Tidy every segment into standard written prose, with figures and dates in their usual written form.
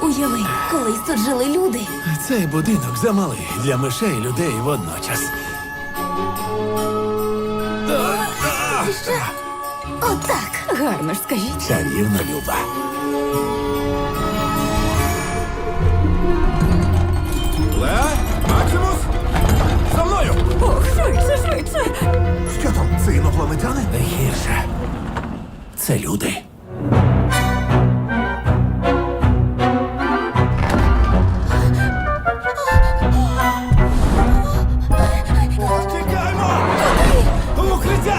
Уяви, колись тут жили люди. Цей будинок замалий для мишей і людей водночас. Отак. Гарно ж скажіть. Чарівно, Люба. Леа? Максимус? За мною! Ох, швидше, швидше. Що там, це інопланетяни? Не гірше. Це люди. Тікаймо! В укриття!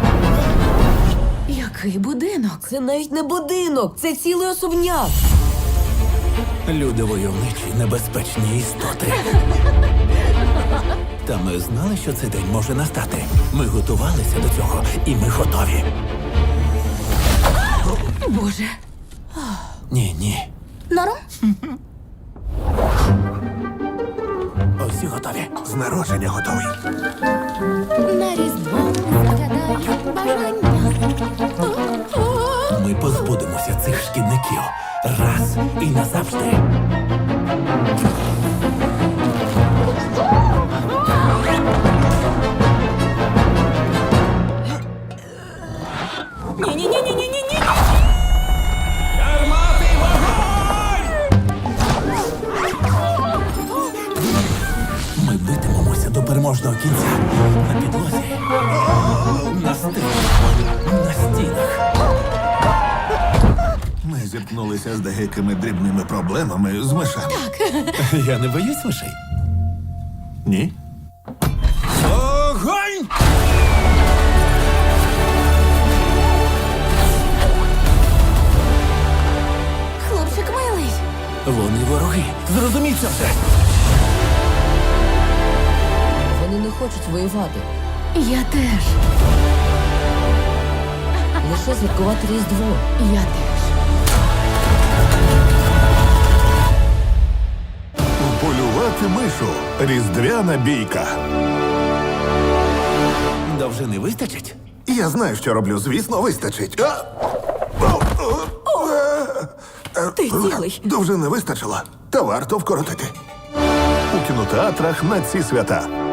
Який будинок? Це навіть не будинок, це цілий особняк. Люди войовничі, небезпечні істоти. Та ми знали, що цей день може настати. Ми готувалися до цього, і ми готові. Боже. Ні. Норм? Усі готові. З народження готовий. На різдво загадай бажання. Ми позбудемося цих шкідників раз і назавжди. Ні-ні-ні-ні-ні-ні. Гармати вогонь! Ми битимемося до переможного кінця. На підлозі, на стелі, на стінах. Ми зіткнулися з деякими дрібними проблемами з мишами. Я не боюсь мишей. Ні? Огонь! Хлопчик милий. Вони вороги. Зрозуміть це вже. Вони не хочуть воювати. Я теж. Лише святкувати Різдво. Я теж. Полювати мишу. Різдвяна бійка. Довжини вистачить? Я знаю, що роблю. Звісно, вистачить. Ти цілий. Довжини вистачило. Та варто вкоротити. У кінотеатрах на ці свята.